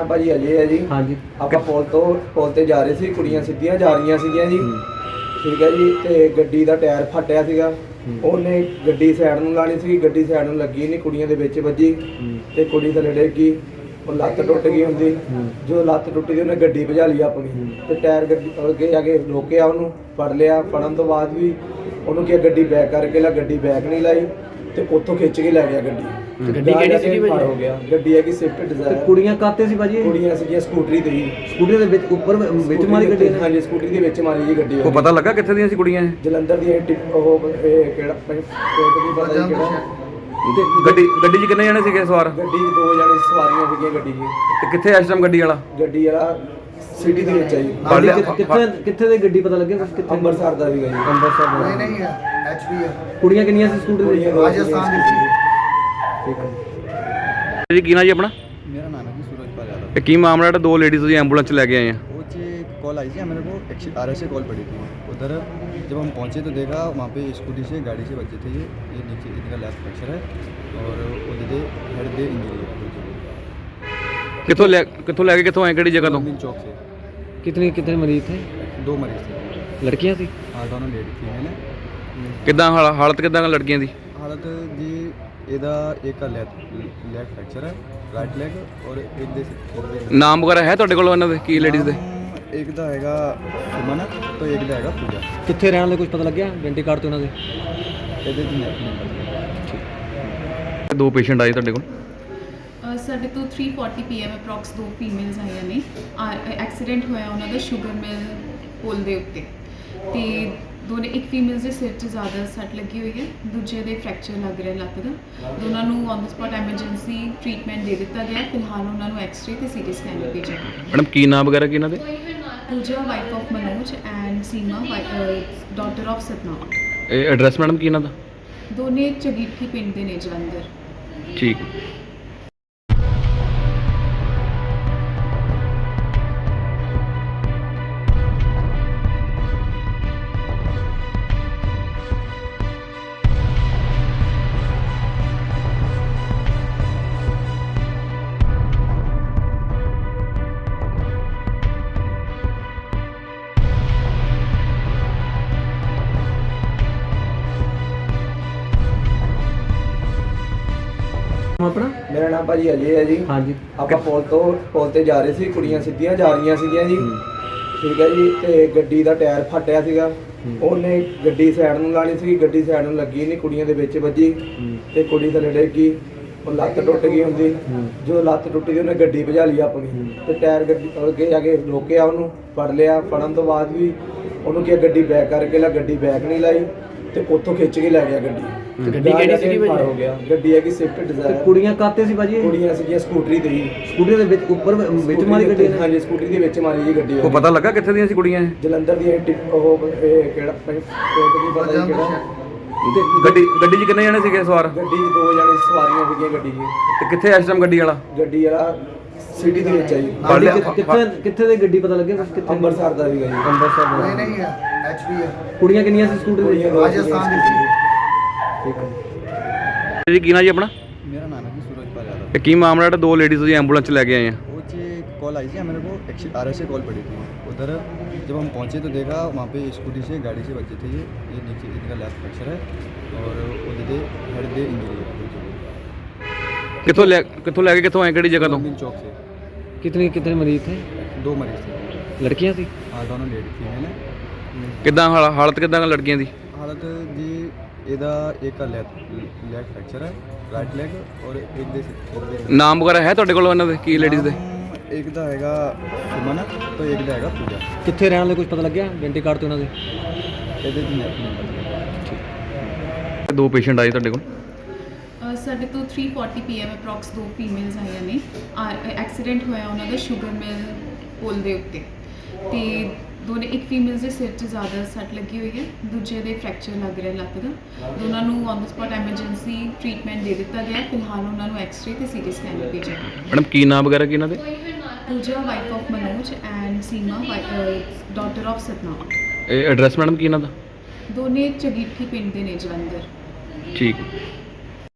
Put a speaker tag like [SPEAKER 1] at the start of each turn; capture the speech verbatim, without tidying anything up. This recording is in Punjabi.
[SPEAKER 1] ਨਾਮ ਭਾਜੀ ਅਜੇ ਹੈ ਜੀ।
[SPEAKER 2] ਹਾਂਜੀ।
[SPEAKER 1] ਆਪਾਂ ਪੁਲ ਤੋਂ ਪੁਲ ਤੇ ਜਾ ਰਹੇ ਸੀ, ਕੁੜੀਆਂ ਸਿੱਧੀਆਂ ਜਾ ਰਹੀਆਂ ਸੀਗੀਆਂ ਜੀ। ਠੀਕ ਹੈ ਜੀ। ਤੇ ਗੱਡੀ ਦਾ ਟਾਇਰ ਫਟਿਆ ਸੀਗਾ, ਉਹਨੇ ਗੱਡੀ ਸਾਈਡ ਨੂੰ ਲਾਣੀ ਸੀ, ਗੱਡੀ ਸਾਈਡ ਨੂੰ ਲੱਗੀ ਨਹੀਂ, ਕੁੜੀਆਂ ਦੇ ਵਿੱਚ ਵੱਜੀ ਤੇ ਕੁੜੀ ਥੱਲੇ ਡਿੱਗ ਗਈ। ਉਹ ਲੱਤ ਟੁੱਟ ਗਈ ਹੁੰਦੀ, ਜਦੋਂ ਲੱਤ ਟੁੱਟੀ ਤੇ ਉਹਨੇ ਗੱਡੀ ਭਜਾ ਲਈ ਆਪਣੀ ਤੇ ਟਾਇਰ ਗੱਡੀ ਅੱਗੇ ਜਾ ਕੇ ਰੋਕਿਆ, ਉਹਨੂੰ ਫੜ ਲਿਆ। ਫੜਨ ਤੋਂ ਬਾਅਦ ਵੀ ਉਹਨੂੰ ਕਿਹਾ ਗੱਡੀ ਬੈਕ ਕਰਕੇ ਲਾ, ਗੱਡੀ ਬੈਕ ਨਹੀਂ ਲਾਈ ਤੇ ਉੱਥੋਂ ਖਿੱਚ ਕੇ ਲੈ ਗਿਆ ਗੱਡੀ।
[SPEAKER 2] ਗੱਡੀ ਕਿਹੜੀ ਸੀਗੀ ਭਾਜੀ?
[SPEAKER 1] ਹੋ ਗਿਆ ਗੱਡੀ ਹੈਗੀ ਸਵਿਫਟ ਡਿਜ਼ਾਇਰ।
[SPEAKER 2] ਕੁੜੀਆਂ ਕਾਤੇ ਸੀ ਭਾਜੀ?
[SPEAKER 1] ਕੁੜੀਆਂ ਸੀਗੀਆਂ ਸਕੂਟਰੀ ਤੇ ਹੀ।
[SPEAKER 2] ਸਕੂਟਰੀ ਦੇ ਵਿੱਚ ਉੱਪਰ ਵਿੱਚ ਮਾਰੀ ਗੱਡੀ ਨੇ?
[SPEAKER 1] ਹਾਂਜੀ, ਸਕੂਟਰੀ ਦੇ ਵਿੱਚ ਮਾਰੀ ਜੀ ਗੱਡੀ।
[SPEAKER 3] ਉਹ ਪਤਾ ਲੱਗਾ ਕਿੱਥੇ ਦੀਆਂ ਸੀ ਕੁੜੀਆਂ ਇਹ?
[SPEAKER 1] ਜਲੰਧਰ ਦੀ ਉਹ ਇਹ ਕਿਹੜਾ ਪਿੰਡ ਦੀ ਪਤਾ ਨਹੀਂ ਕਿਹੜਾ।
[SPEAKER 3] ਤੇ ਗੱਡੀ ਗੱਡੀ 'ਚ ਕਿੰਨੇ ਜਣੇ ਸੀਗੇ ਸਵਾਰ?
[SPEAKER 1] ਗੱਡੀ 'ਚ ਦੋ ਜਣੇ ਸਵਾਰੀਆਂ ਸੀਗੀਆਂ ਗੱਡੀ 'ਚ।
[SPEAKER 3] ਤੇ ਕਿੱਥੇ ਇਸ ਟਾਈਮ ਗੱਡੀ ਵਾਲਾ?
[SPEAKER 1] ਗੱਡੀ ਵਾਲਾ ਸਿਟੀ ਦੇ ਵਿੱਚ ਹੈ ਜੀ।
[SPEAKER 2] ਕਿੱਥੇ ਕਿੱਥੇ ਦੀ ਗੱਡੀ ਪਤਾ ਲੱਗਿਆ? ਕਿੱਥੇ?
[SPEAKER 1] ਅੰਮ੍ਰਿਤਸਰ ਦਾ ਸੀਗਾ ਜੀ।
[SPEAKER 2] ਅੰਮ੍ਰਿਤਸਰ ਦਾ
[SPEAKER 4] ਨਹੀਂ ਨਹੀਂ ਹੈ, ਐਚਪੀ ਹੈ।
[SPEAKER 2] ਕੁੜੀਆਂ ਕਿੰਨੀਆਂ ਸੀ ਸਕੂਟਰੀ ਤੇ?
[SPEAKER 4] ਰਾਜਸਥਾਨ ਦੀ ਸੀ।
[SPEAKER 2] ਠੀਕ ਹੈ
[SPEAKER 3] ਜੀ। ਕੀ ਨਾਂ ਜੀ ਆਪਣਾ?
[SPEAKER 4] ਮੇਰਾ ਨਾਮ ਹੈ ਜੀ सूरजपाल यादव।
[SPEAKER 3] ਤੇ ਕੀ ਮਾਮਲਾ ਜਿਹੜਾ ਦੋ ਲੇਡੀਜ਼ ਤੁਸੀਂ ਐਂਬੂਲੈਂਸ 'ਚ ਲੈ ਕੇ ਆਏ ਆ?
[SPEAKER 4] वो जी कॉल आई थी मेरे को, आर एस से कॉल पड़ी थी। उधर जब हम पहुंचे तो देखा वहाँ पे स्कूटी से गाड़ी से बच्चे थे, ये ये नीचे इनका लेफ्ट फ्रैक्चर है और वो दीदी हेड पे इंजरी है।
[SPEAKER 3] ਕਿੱਥੋਂ ਲੈ ਕਿੱਥੋਂ ਲੈ ਕੇ ਕਿੱਥੋਂ ਆਏ, ਕਿਹੜੀ ਜਗ੍ਹਾ ਤੋਂ?
[SPEAKER 4] मिल चौक से
[SPEAKER 2] कितने कितने मरीज थे?
[SPEAKER 4] दो मरीज थे।
[SPEAKER 2] लड़कियां थी?
[SPEAKER 4] हाँ, दोनों लेडी थी। मैंने
[SPEAKER 3] ਕਿੱਦਾਂ ਹਾਲ- ਹਾਲਤ ਕਿੱਦਾਂ ਦਾ ਲੜਕੀਆਂ ਦੀ?
[SPEAKER 4] हालत जी ਇਹਦਾ ਇੱਕ ਦਾ ਲੈਫਟ ਲੈਗ ਫ੍ਰੈਕਚਰ ਹੈ, ਰਾਈਟ ਲੈਗ, ਔਰ ਇੱਕ ਦੇ
[SPEAKER 3] ਨਾਮ ਵਗੈਰਾ ਹੈ ਤੁਹਾਡੇ ਕੋਲ ਇਹਨਾਂ ਦੇ? ਕੀ ਲੇਡੀਜ਼ ਦੇ?
[SPEAKER 4] ਇੱਕ ਦਾ ਹੈਗਾ ਸੁਮਨ ਤੇ ਇੱਕ ਦਾ ਹੈਗਾ ਪੂਜਾ।
[SPEAKER 2] ਕਿੱਥੇ ਰਹਿਣ ਵਾਲੇ ਕੁਝ ਪਤਾ ਲੱਗਿਆ? ਆਇਡੈਂਟੀ ਕਾਰਡ ਤੇ ਉਹਨਾਂ ਦੇ?
[SPEAKER 4] ਇਹਦੇ ਦੀ ਨੰਬਰ
[SPEAKER 3] ਦੋ ਪੇਸ਼ੈਂਟ ਆਏ ਤੁਹਾਡੇ ਕੋਲ?
[SPEAKER 5] ਅ, ਸਾਡੇ ਤੋਂ three forty P M approx ਦੋ ਫੀਮੇਲਸ ਆਈਆਂ ਨੇ। ਐਕਸੀਡੈਂਟ ਹੋਇਆ ਉਹਨਾਂ ਦਾ ਸ਼ੂਗਰ ਮਿਲ ਪੁਲ ਦੇ ਉੱਤੇ, ਤੇ ਦੋਨੇ ਇੱਕ ਫੀਮੇਲਸ ਦੇ ਸਿਰ 'ਚ ਜ਼ਿਆਦਾ ਸੱਟ ਲੱਗੀ ਹੋਈ ਹੈ, ਦੂਜੇ ਦੇ ਫ੍ਰੈਕਚਰ ਲੱਗ ਰਿਹਾ ਲੱਤ ਦਾ। ਦੋਨਾਂ ਨੂੰ on the spot emergency treatment ਦੇ ਦਿੱਤਾ ਗਿਆ। ਫਿਲਹਾਲ ਉਹਨਾਂ ਨੂੰ ਐਕਸ-ਰੇ ਤੇ ਸੀ ਟੀ ਸਕੈਨ ਲਈ ਭੇਜਿਆ ਗਿਆ।
[SPEAKER 3] ਮੈਡਮ ਕੀ ਨਾਮ ਵਗੈਰਾ ਕੀ ਇਹਨਾਂ ਦੇ?
[SPEAKER 5] Pooja wife of Manoj and Seema daughter of Satnam.
[SPEAKER 3] ਇਹ ਐਡਰੈਸ ਮੈਡਮ ਕੀ ਇਹਨਾਂ ਦਾ?
[SPEAKER 5] ਦੋਨੇ ਝਗੀਠੀ ਪਿੰਡ ਦੇ ਨੇ, ਜਲੰਧਰ।
[SPEAKER 3] ਠੀਕ।
[SPEAKER 2] ਆਪਣਾ?
[SPEAKER 1] ਮੇਰਾ ਨਾਮ ਭਾਜੀ ਅਜੇ ਹੈ ਜੀ।
[SPEAKER 2] ਹਾਂਜੀ।
[SPEAKER 1] ਆਪਾਂ ਪੁਲ ਤੋਂ ਪੁਲ ਤੇ ਜਾ ਰਹੇ ਸੀ, ਕੁੜੀਆਂ ਸਿੱਧੀਆਂ ਜਾ ਰਹੀਆਂ ਸੀਗੀਆਂ ਜੀ। ਠੀਕ ਹੈ ਜੀ। ਤੇ ਗੱਡੀ ਦਾ ਟਾਇਰ ਫਟਿਆ ਸੀਗਾ, ਉਹਨੇ ਗੱਡੀ ਸਾਈਡ ਨੂੰ ਲਾਣੀ ਸੀ, ਗੱਡੀ ਸਾਈਡ ਨੂੰ ਲੱਗੀ ਨਹੀਂ, ਕੁੜੀਆਂ ਦੇ ਵਿੱਚ ਵੱਜੀ ਤੇ ਕੁੜੀ ਥੱਲੇ ਡਿੱਗ ਗਈ। ਉਹ ਲੱਤ ਟੁੱਟ ਗਈ ਹੁੰਦੀ, ਜਦੋਂ ਲੱਤ ਟੁੱਟੀ ਤੇ ਉਹਨੇ ਗੱਡੀ ਭਜਾ ਲਈ ਆਪਣੀ ਤੇ ਟਾਇਰ ਗੱਡੀ ਅੱਗੇ ਜਾ ਕੇ ਰੋਕਿਆ, ਉਹਨੂੰ ਫੜ ਲਿਆ। ਫੜਨ ਤੋਂ ਬਾਅਦ ਵੀ ਉਹਨੂੰ ਕਿਹਾ ਗੱਡੀ ਬੈਕ ਕਰਕੇ ਲਾ, ਗੱਡੀ ਬੈਕ ਨਹੀਂ ਲਾਈ ਤੇ ਉੱਥੋਂ ਖਿੱਚ ਕੇ ਲੈ ਗਿਆ ਗੱਡੀ।
[SPEAKER 2] ਗੱਡੀ ਕਿਹੜੀ ਸੀਗੀ ਭਾਜੀ?
[SPEAKER 1] ਹੋ ਗਿਆ ਗੱਡੀ ਹੈਗੀ ਸਵਿਫਟ ਡਿਜ਼ਾਇਰ।
[SPEAKER 2] ਕੁੜੀਆਂ ਕਾਤੇ ਸੀ ਭਾਜੀ?
[SPEAKER 1] ਕੁੜੀਆਂ ਸੀਗੀਆਂ ਸਕੂਟਰੀ ਤੇ ਹੀ।
[SPEAKER 2] ਸਕੂਟਰੀ ਦੇ ਵਿੱਚ ਉੱਪਰ ਵਿੱਚ ਮਾਰੀ ਗੱਡੀ ਨੇ?
[SPEAKER 1] ਹਾਂਜੀ, ਸਕੂਟਰੀ ਦੇ ਵਿੱਚ ਮਾਰੀ ਜੀ ਗੱਡੀ।
[SPEAKER 3] ਉਹ ਪਤਾ ਲੱਗਾ ਕਿੱਥੇ ਦੀਆਂ ਸੀ ਕੁੜੀਆਂ ਇਹ?
[SPEAKER 1] ਜਲੰਧਰ ਦੀ ਉਹ ਇਹ ਕਿਹੜਾ ਪਿੰਡ ਦੀ ਪਤਾ ਨਹੀਂ ਕਿਹੜਾ।
[SPEAKER 3] ਤੇ ਗੱਡੀ ਗੱਡੀ 'ਚ ਕਿੰਨੇ ਜਣੇ ਸੀਗੇ ਸਵਾਰ?
[SPEAKER 1] ਗੱਡੀ 'ਚ ਦੋ ਜਣੇ ਸਵਾਰੀਆਂ ਸੀਗੀਆਂ ਗੱਡੀ 'ਚ।
[SPEAKER 3] ਤੇ ਕਿੱਥੇ ਇਸ ਟਾਈਮ ਗੱਡੀ ਵਾਲਾ?
[SPEAKER 1] ਗੱਡੀ ਵਾਲਾ ਸਿਟੀ ਦੇ ਵਿੱਚ ਹੈ ਜੀ।
[SPEAKER 2] ਕਿੱਥੇ ਕਿੱਥੇ ਦੀ ਗੱਡੀ ਪਤਾ ਲੱਗਿਆ? ਕਿੱਥੇ?
[SPEAKER 1] ਅੰਮ੍ਰਿਤਸਰ ਦਾ ਸੀਗਾ ਜੀ।
[SPEAKER 2] ਅੰਮ੍ਰਿਤਸਰ ਦਾ।
[SPEAKER 4] ਨਹੀਂ ਨਹੀਂ ਹੈ, ਐਚਪੀ ਹੈ।
[SPEAKER 2] ਕੁੜੀਆਂ ਕਿੰਨੀਆਂ ਸੀ ਸਕੂਟਰੀ ਤੇ?
[SPEAKER 4] ਰਾਜਸਥਾਨ ਦੀ ਸੀ।
[SPEAKER 2] ਠੀਕ ਹੈ
[SPEAKER 3] ਜੀ। ਕੀ ਨਾਂ ਜੀ ਆਪਣਾ?
[SPEAKER 4] ਮੇਰਾ ਨਾਮ ਹੈ ਜੀ सूरजपाल यादव।
[SPEAKER 3] ਤੇ ਕੀ ਮਾਮਲਾ ਜਿਹੜਾ ਦੋ ਲੇਡੀਜ਼ ਤੁਸੀਂ ਐਂਬੂਲੈਂਸ 'ਚ ਲੈ ਕੇ ਆਏ ਆ?
[SPEAKER 4] वो जी कॉल आई थी मेरे को, आर एस से कॉल पड़ी थी। उधर जब हम पहुंचे तो देखा वहाँ पे स्कूटी से गाड़ी से बच्चे थे, ये ये नीचे इनका लेफ्ट फ्रैक्चर है और वो दीदी हेड पे इंजरी है।
[SPEAKER 3] ਕਿੱਥੋਂ ਲੈ ਕਿੱਥੋਂ ਲੈ ਕੇ ਕਿੱਥੋਂ ਆਏ, ਕਿਹੜੀ ਜਗ੍ਹਾ ਤੋਂ?
[SPEAKER 4] मिल चौक से
[SPEAKER 2] कितने कितने मरीज थे?
[SPEAKER 4] दो मरीज थे।
[SPEAKER 2] लड़कियां थी?
[SPEAKER 4] हाँ, दोनों लेडी थी। मैंने
[SPEAKER 3] ਕਿੱਦਾਂ ਹਾਲ- ਹਾਲਤ ਕਿੱਦਾਂ ਦਾ ਲੜਕੀਆਂ ਦੀ?
[SPEAKER 4] हालत जी ਇਹਦਾ ਇੱਕ ਦਾ ਲੈਫਟ ਲੈਗ ਫ੍ਰੈਕਚਰ ਹੈ, ਰਾਈਟ ਲੈਗ, ਔਰ ਇੱਕ ਦੇ
[SPEAKER 3] ਨਾਮ ਵਗੈਰਾ ਹੈ ਤੁਹਾਡੇ ਕੋਲ ਇਹਨਾਂ ਦੇ? ਕੀ ਲੇਡੀਜ਼ ਦੇ?
[SPEAKER 4] ਇੱਕ ਦਾ ਹੈਗਾ ਸੁਮਨ ਤੇ ਇੱਕ ਦਾ ਹੈਗਾ ਪੂਜਾ।
[SPEAKER 2] ਕਿੱਥੇ ਰਹਿਣ ਵਾਲੇ ਕੁਝ ਪਤਾ ਲੱਗਿਆ? ਆਇਡੈਂਟੀ ਕਾਰਡ ਤੇ ਉਹਨਾਂ ਦੇ?
[SPEAKER 4] ਇਹਦੇ ਦੀ ਨੰਬਰ
[SPEAKER 3] ਦੋ ਪੇਸ਼ੈਂਟ ਆਏ ਤੁਹਾਡੇ ਕੋਲ?
[SPEAKER 5] ਅ, ਸਾਡੇ ਤੋਂ three forty P M approx ਦੋ ਫੀਮੇਲਸ ਆਈਆਂ ਨੇ। ਐਕਸੀਡੈਂਟ ਹੋਇਆ ਉਹਨਾਂ ਦਾ ਸ਼ੂਗਰ ਮਿਲ ਪੁਲ ਦੇ ਉੱਤੇ, ਤੇ ਦੋਨੇ ਇੱਕ ਫੀਮੇਲਸ ਦੇ ਸਿਰ 'ਚ ਜ਼ਿਆਦਾ ਸੱਟ ਲੱਗੀ ਹੋਈ ਹੈ, ਦੂਜੇ ਦੇ ਫ੍ਰੈਕਚਰ ਲੱਗ ਰਿਹਾ ਲੱਤ ਦਾ। ਦੋਨਾਂ ਨੂੰ on the spot emergency treatment ਦੇ ਦਿੱਤਾ ਗਿਆ। ਫਿਲਹਾਲ ਉਹਨਾਂ ਨੂੰ ਐਕਸ-ਰੇ ਤੇ ਸੀ ਟੀ ਸਕੈਨ ਲਈ ਭੇਜਿਆ ਗਿਆ।
[SPEAKER 3] ਮੈਡਮ ਕੀ ਨਾਮ ਵਗੈਰਾ ਕੀ ਇਹਨਾਂ ਦੇ?
[SPEAKER 5] Pooja wife of Manoj and Seema daughter of Satnam.
[SPEAKER 3] ਇਹ ਐਡਰੈਸ ਮੈਡਮ ਕੀ ਇਹਨਾਂ ਦਾ?
[SPEAKER 5] ਦੋਨੇ ਝਗੀਠੀ ਪਿੰਡ ਦੇ ਨੇ, ਜਲੰਧਰ।
[SPEAKER 3] ਠੀਕ।